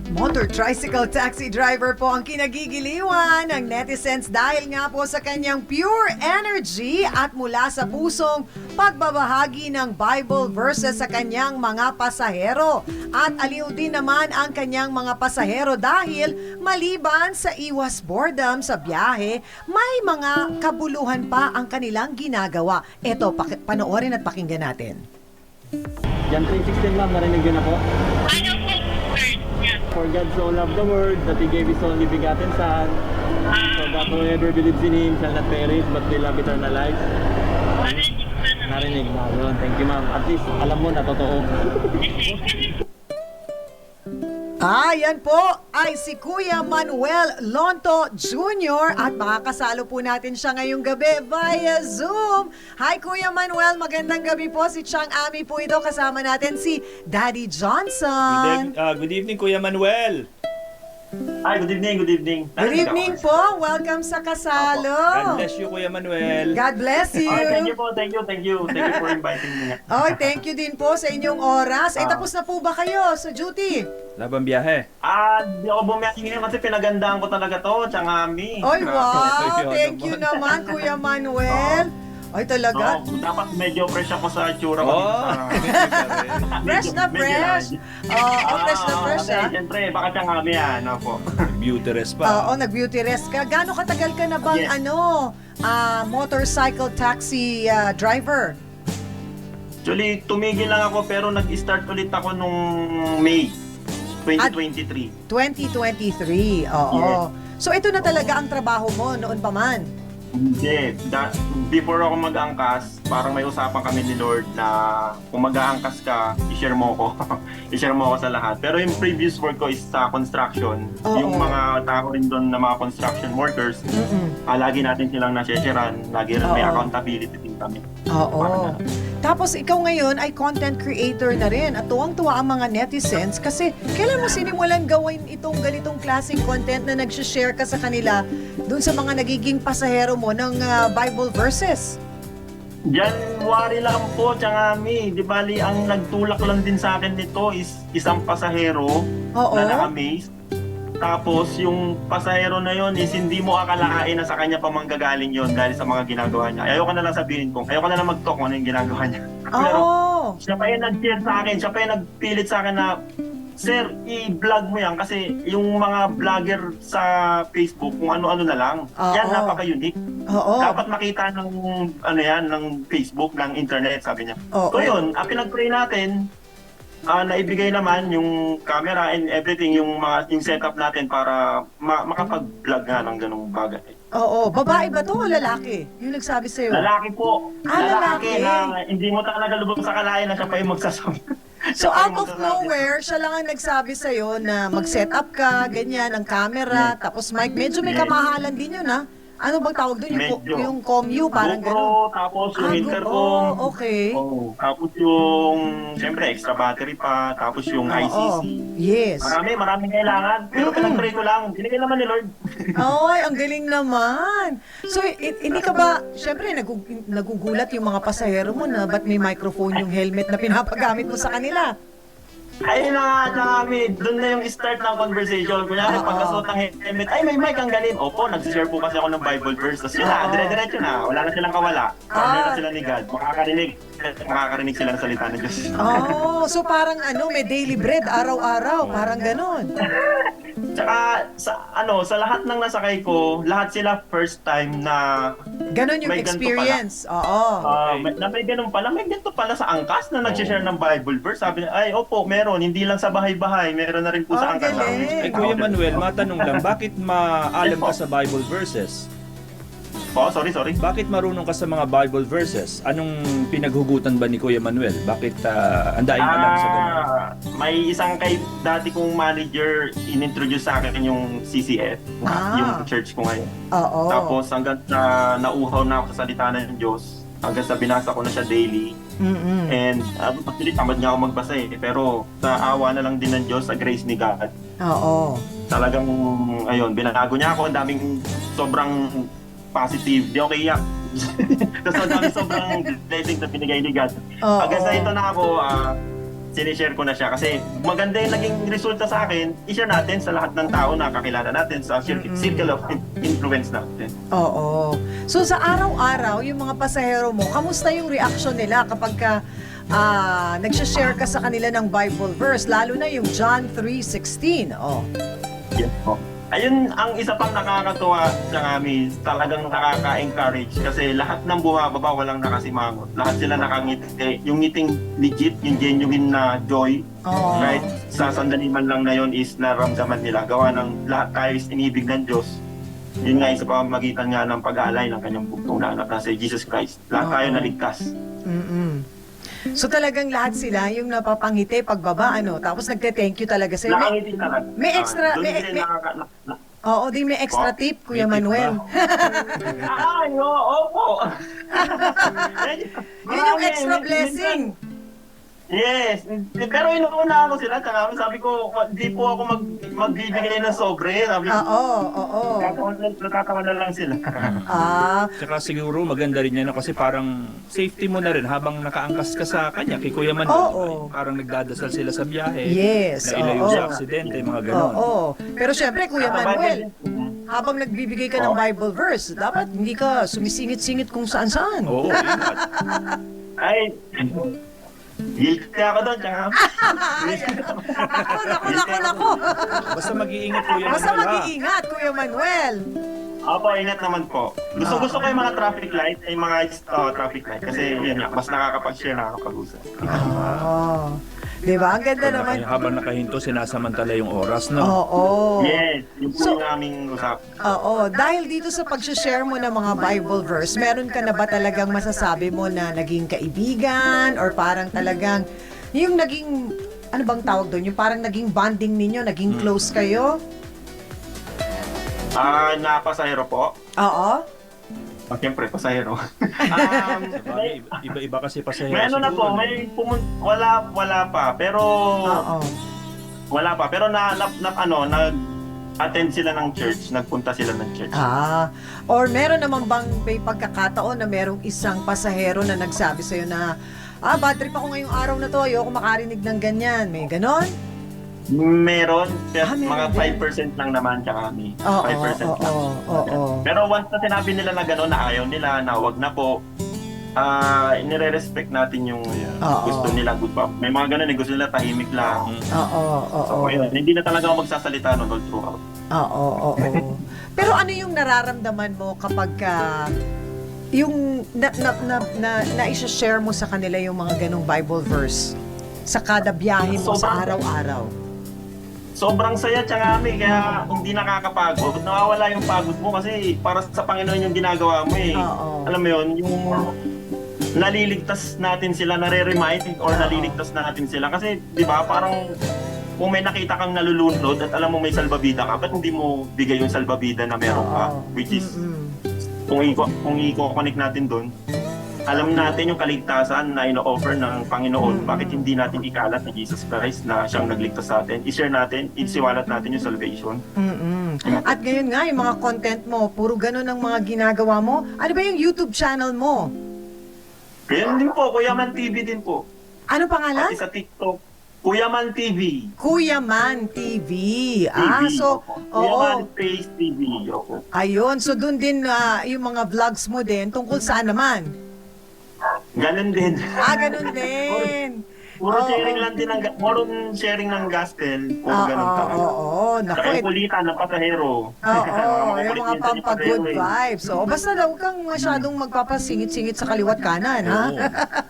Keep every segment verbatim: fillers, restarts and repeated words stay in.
Motor tricycle taxi driver po ang kinagigiliwan ng netizens dahil nga po sa kanyang pure energy at mula sa pusong pagbabahagi ng Bible verses sa kanyang mga pasahero. At aliw din naman ang kanyang mga pasahero dahil maliban sa iwas boredom sa biyahe, may mga kabuluhan pa ang kanilang ginagawa. Eto, paki- panoorin at pakinggan natin. John three sixteen, ma'am, narinig yun ako. Ano po, sir? Yan. For God so loved the world that He gave His only begotten Son, so that whoever believes in Him shall not perish but will have eternal life. Narinig ko na naman. Narinig na yun. Thank you, ma'am. At least alam mo na totoo. Ah, yan po ay si Kuya Manuel Lonto Junior at makakasalo po natin siya ngayong gabi via Zoom. Hi Kuya Manuel, magandang gabi po. Si Chang Ami po ito. Kasama natin si Daddy Good, Johnson. ev- uh, good evening, Kuya Manuel. Hi, good evening, good evening. Good evening po. Welcome sa God kasalo. bless you, Kuya Manuel. God bless you. Oh, thank you po, thank you, thank you. Thank you for inviting me. Oh, thank you din po sa inyong oras. Eh, Ah. tapos na po ba kayo sa duty? Labang biyahe. Ah, di ako bumiyahin ngayon kasi pinagandaan ko talaga to, Changami. Oy, wow. Ayun Thank you naman, Kuya Manuel. Ay, talaga. So, dapat medyo fresh ako sa itsura ko. Oh. Fresh na Medyo- fresh. medyo- Oh, oh, fresh na Ah, fresh, kasi, ah. Siyempre, baka Changami yan. Opo. Beauty rest pa. Oo, nag-beauty rest ka. Gaano katagal ka na bang Yes. ano, ah, motorcycle taxi ah, driver? Actually, tumigil lang ako pero nag-start ulit ako nung May twenty twenty-three. twenty twenty-three, oo. So ito na talaga ang trabaho mo noon pa man? Hindi. Da- before ako mag-angkas, parang may usapan kami ni Lord na kung mag-aangkas ka, i-share mo ko. i-share mo ko sa lahat. Pero yung previous work ko is sa construction. Oo. Yung mga tao rin doon na mga construction workers, Mm-mm. ah, lagi natin silang nasesharean. Lagi rin may Oo. accountability din kami. Oo. Parang ganun. Tapos ikaw ngayon ay content creator na rin at tuwang-tuwa ang mga netizens kasi kailan mo sinimulan gawin itong ganitong klaseng content na nag-share ka sa kanila dun sa mga nagiging pasahero mo ng ah, Bible verses? January lang po, Changami. Di bali, ang nagtulak lang din sa akin nito is isang pasahero Oo. na na-amaze. Tapos yung pasahero na yon is hindi mo akalain na sa kanya pa manggagaling yon dahil sa mga ginagawa niya. Ayoko na lang sabihin ko, ayoko na lang mag-talk kung ano yung ginagawa niya. Pero Oo. siya pa yung nag-share sa akin, siya pa yung nagpilit sa akin na, Sir, i-vlog mo yan kasi yung mga vlogger sa Facebook, kung ano-ano na lang, Oo. yan napaka-unique. Oo. Dapat makita ng ano yan, ng Facebook, ng internet, sabi niya. Oo. So yun, ang pinag-pray natin, ah, naibigay naman yung camera and everything, yung mga yung setup natin para ma- makapag-vlog nga ng ganung bagay. Oo. Babae ba to o lalaki? Yung nagsabi sa'yo? Lalaki po. Ah, lalaki. na hindi mo talaga lubog sa kalayan na siya pa yung magsasabi. So Siya pa out yung of magsasabi. nowhere, siya lang ang nagsabi sa'yo na mag-set up ka, ganyan, ang camera, tapos mic. Medyo may Yes. kamahalan din yun, ha? Ano bang tawag doon? Yung, Medyo. yung commu, parang GoPro, gano'n. tapos yung Ah, intercom. oo, okay. Oo. Tapos yung, siyempre, extra battery pa. Tapos yung I C C. Oo. Yes. Marami, maraming kailangan. Pero Mm-mm. pinag-pray ko lang. Binigay naman ni Lord. Ay, ang galing naman. So, i- hindi ka ba, syempre, nagug- nagugulat yung mga pasahero mo na ba't may microphone yung helmet na pinapagamit mo sa kanila? Ayun na nga, kami. Doon na yung start ng conversation. Kunyari, Oo. pagkasuot ng helmet, ay, may mic ang galing. Opo, nag-share po kasi ako ng Bible verse. Tapos yun na, Oo. dire-diretso na. Wala na silang kawala. Ah. Partner na sila ni God. Makakarinig. Makakarinig sila ng salita ng Diyos. Oh, so parang ano, may daily bread, araw-araw, parang ganon. Tsaka, sa, ano, sa lahat ng nasakay ko, lahat sila first time na Ganon yung May ganito experience. Oo. Ah, may, na may ganun pala, may ganito pala sa angkas na nag-share ng Bible verse. Sabi niya, ay opo, meron, hindi lang sa bahay-bahay, meron na rin po sa Ang angkas. galing. Eh, Kuya Manuel, matanong lang, bakit maalam ka sa Bible verses? Oh, sorry, sorry. Bakit marunong ka sa mga Bible verses? Anong pinaghugutan ba ni Kuya Manuel? Bakit uh, ang daing alam sa ganun? Ah, may isang kay dati kong manager inintroduce sa akin yung C C F, Ah. yung church ko ngayon. Oo. Tapos hanggang sa nauhaw na ako sa salita ng Diyos, hanggang sa binasa ko na siya daily. Mm-mm. And uh, actually, tamad nga ako magbasa eh. Pero sa awa na lang din ng Diyos, sa grace ni God, Oo. talagang, ayun, binago niya ako. Ang daming sobrang positive. Di ako iyak. Tapos ang daming sobrang blessing na binigay ni God. Oo. Hanggang sa ito na ako, ah, sinishare ko na siya kasi maganda yung naging resulta sa akin, i-share natin sa lahat ng tao na kakilala natin sa cir- circle of in- influence natin. Oo. So sa araw-araw, yung mga pasahero mo, kamusta yung reaction nila kapag ka ah, nagsha-share ka sa kanila ng Bible verse, lalo na yung John three sixteen. Oh. Yes po. Ayun, ang isa pang nakakatuwa sa amin, talagang nakaka-encourage kasi lahat ng bumababa walang nakasimangot. Lahat sila nakangiti. Yung ngiting legit, yung genuine na joy, Oo. right? Sa sandali man lang na yun is naramdaman nila. Gawa ng lahat tayo is inibig ng Diyos. Yun nga isa pamamagitan nga ng pag-aalay ng kanyang bugtong na anak na si Jesus Christ. Lahat tayo Oo. naligtas. Mm-mm. So talagang lahat sila yung napapangiti pagbaba, ano, tapos nagte-thank you talaga sa'yo. May, Nakangiti talaga. may extra- Ah, doon may- din may- nakaka- na- na- oo, di may extra Oh, tip, Kuya may tip Manuel. Ay, oo, opo. Yun yung extra blessing. Yes, pero inuuna ako sila, tsaka sabi ko, di po ako mag, magbibigay ng sobre. Sabi ko, Oo, oo. natatawa na lang sila. Ah, Tsaka siguro maganda rin yan no? Kasi parang safety mo na rin habang nakaangkas ka sa kanya kay Kuya Manuel. Oo. Parang nagdadasal sila sa biyahe. Yes, Na ilayo oo. sa aksidente, mga ganon. oo. Pero syempre, Kuya Manuel, habang nagbibigay ka ng Bible verse, dapat hindi ka sumisingit-singit kung saan-saan. Oo, ingat. Ay, guilty ako doon, tsaka. Naku, naku, naku, naku. Basta mag-iingat Kuya Manuel. Basta ha? mag-iingat, Kuya Manuel. Opo, ingat naman po. Gusto gusto ko yung mga traffic light, ay mga uh, traffic light. Kasi yun nga, mas nakakapag-share, nakakapag-usap. Oo. Di ba? Ang ganda naman. Naka- habang nakahinto, sinasamantala yung oras, no? Oo. Yes, yun po So- yung aming usap. Oo, dahil dito sa pag-share mo ng mga Bible verse, meron ka na ba talagang masasabi mo na naging kaibigan or parang talagang yung naging, ano bang tawag doon? Yung parang naging bonding ninyo, naging close kayo? Ah, na pasahero po. Oo. Ah, siyempre, pasahero. um, Sabagay, iba-iba kasi pasahero may ano na po, siguro, no? may pumun- wala, wala pa. Pero, Oo. wala pa. Pero na, na, na ano, nag attend sila ng church, nagpunta sila ng church. Ah, or meron naman bang may pagkakataon na merong isang pasahero na nagsabi sa'yo na, ah, bad trip ako ngayong araw na to, ayoko makarinig ng ganyan. May ganon? Meron, pero Ah, meron mga din. five percent lang naman tsaka kami. Oo, five percent oo, lang. oo, oo. Pero once na sinabi nila na gano'n, na ayaw nila, na wag na po, ah nire-respect natin yung Oo. gusto nila. Good pa. May mga gano'n, eh, gusto nila tahimik lang. Oo, oo. So, ayun, hindi na talaga ako magsasalita nun all throughout. Oo, oo, oo. Pero ano yung nararamdaman mo kapag ka, yung na, na, na, na, na-share mo sa kanila yung mga ganong Bible verse sa kada biyahe mo sa Sobrang- araw-araw? Sobrang saya tsaka kami, kaya hindi nakakapagod. Nawawala yung pagod mo kasi para sa Panginoon yung ginagawa mo eh. Oo. Alam mo yun, yung naliligtas natin sila, nare-remind or Oo. naliligtas natin sila. Kasi, di ba, parang kung may nakita kang nalulunod at alam mo may salbabida ka, ba't hindi mo bigay yung salbabida na meron ka? Oo. Which is, Mm-mm. kung i- kung i-connect natin doon, alam natin yung kaligtasan na ino-offer ng Panginoon. Mm. Bakit hindi natin ikalat na Jesus Christ na siyang nagligtas sa atin? I-share natin, isiwalat natin yung salvation. Mm-mm. At ngayon nga, yung mga content mo, puro ganun ang mga ginagawa mo. Ano ba yung YouTube channel mo? Kaya din po, Kuya Man T V din po. Ano pangalan? Pati sa TikTok, Kuya Man T V. Kuya Man T V. T V, Ah, so, opo. Kuya oo. Man Face T V. Opo. Ayun, so dun din ah, yung mga vlogs mo din tungkol saan naman? Ganun din. Ah, ganun din. Puro Oo. sharing lang din ng, ga- puro sharing ng gospel. Puro Oo, ganun oo, talaga. oo. Naku, Saka eh. yung kulitan ng pasahero. Oo, yung mga kulit minsan pampagood pasahero eh. vibes. So, basta daw kang masyadong magpapasingit-singit sa kaliwat kanan, ha? Oo.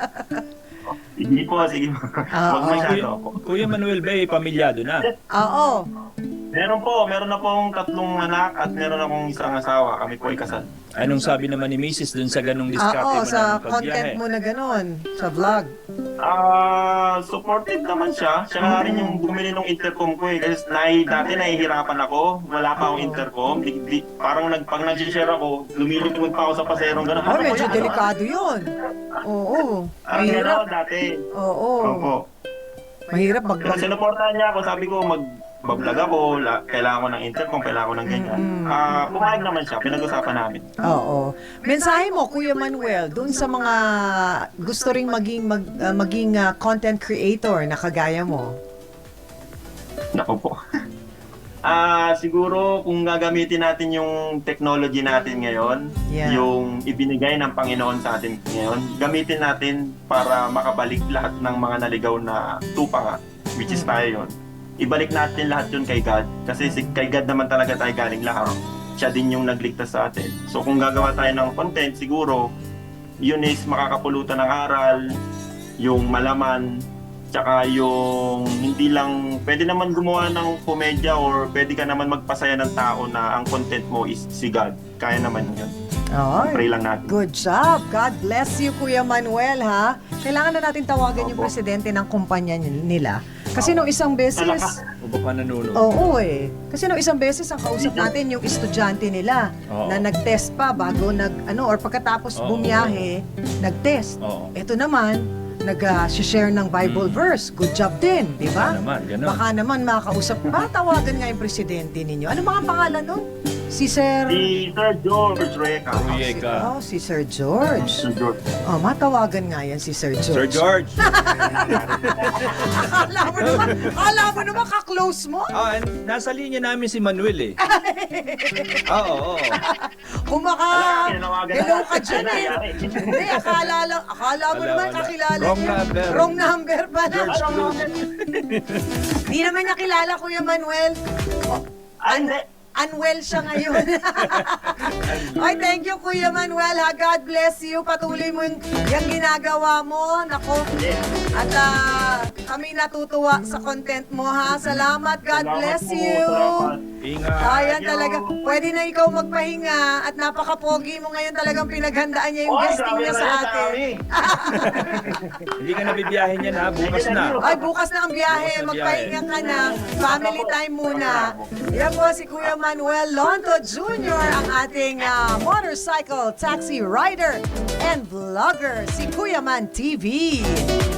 Hindi po, sige. Huwag Oo. masyado Kuya, ako. Kuya Manuel ba, eh, pamilyado na? Oo. Meron po, meron na pong tatlong anak at meron akong isang asawa. Kami po ay kasal. Anong sabi naman ni Missus dun sa ganong diskarte Oo, mo sa ng content pagbiyahe? mo na ganun, sa vlog. Ah, supportive naman siya. Siya nga rin yung bumili ng intercom ko eh. Kasi nahi, dati nahihirapan ako. Wala pa akong intercom. Di, di, parang nag, pag nag-share ako, lumilikod pa ako sa paserong gano'n. Oh, Ano medyo po yan? delikado yun. Oo. Parang gano'n Mahirap. ako dati. Oo. Opo. Mahirap mag... Kaya sinuportahan niya ako, sabi ko mag mag-vlog ako, la, kailangan ko ng intercom, kailangan ko ng ganyan. Ah, pumayag naman siya, pinag-usapan namin. Oo. Mensahe mo, Kuya Manuel, dun sa mga gusto ring maging, mag, ah, maging ah, content creator na kagaya mo. Nako po. Ah, siguro kung gagamitin natin yung technology natin ngayon, Yeah. yung ibinigay ng Panginoon sa atin ngayon, gamitin natin para makabalik lahat ng mga naligaw na tupa nga, which is tayo yun. Ibalik natin lahat yun kay God. Kasi si, kay God naman talaga tayo galing lahat. Siya din yung nagligtas sa atin. So kung gagawa tayo ng content, siguro, yun is makakapulutan ng aral, yung malaman, tsaka yung hindi lang, pwede naman gumawa ng komedya or pwede ka naman magpasaya ng tao na ang content mo is si God. Kaya naman yun. Ay, Pray lang natin. good job. God bless you, Kuya Manuel, ha? Kailangan na natin tawagan yung Opo. presidente ng kumpanya nila. Kasi nung isang beses, O baka nanonood? oo eh. Kasi nung isang beses ang kausap natin yung estudyante nila Oo. na nag-test pa bago nag ano or pagkatapos Oo. bumiyahe, nag-test. Oo. Ito naman, nag-share ng Bible verse. Good job din, di ba? Baka naman, ganun. Baka naman makakausap. Matawagan nga yung presidente ninyo. Ano mga pangalan nun? Si Sir... Si Sir George Reca. Ruyeka. Oh, si Sir George. Sir George. Oh, matawagan nga yan si Sir George. Sir George. Akala mo naman, akala mo naman ka-close mo. Ah, and nasa linya namin si Manuel eh. Oo, oo. Kung maka, Tinawagan hello na. ka dyan eh. Hindi, akala lang, akala mo Wala, naman wala. kakilala Wrong niya. number. Wrong number pala. George Cruz. Hindi naman niya kilala, Kuya Manuel. Ah, hindi. Unwell siya ngayon. Ay, thank you, Kuya Manuel. Ha? God bless you. Patuloy mo yung, yung ginagawa mo. Nako. At ah, kami natutuwa sa content mo, ha? Salamat. God Salamat bless po, you. salamat. Ingat. Ayan Thank you. talaga. Pwede na ikaw magpahinga at napaka-pogi mo ngayon talagang pinaghandaan niya yung Oy, guesting grabe niya na sa yan, atin. dami. Hindi ka nabibiyahin yan ha, bukas na. Ay, bukas na ang biyahe. Bukas na Magpahinga biyahe. ka na. Family time muna. Yan po si Kuya Manuel Lonto Junior ang ating ah, motorcycle taxi rider and vlogger, si Kuya Man T V.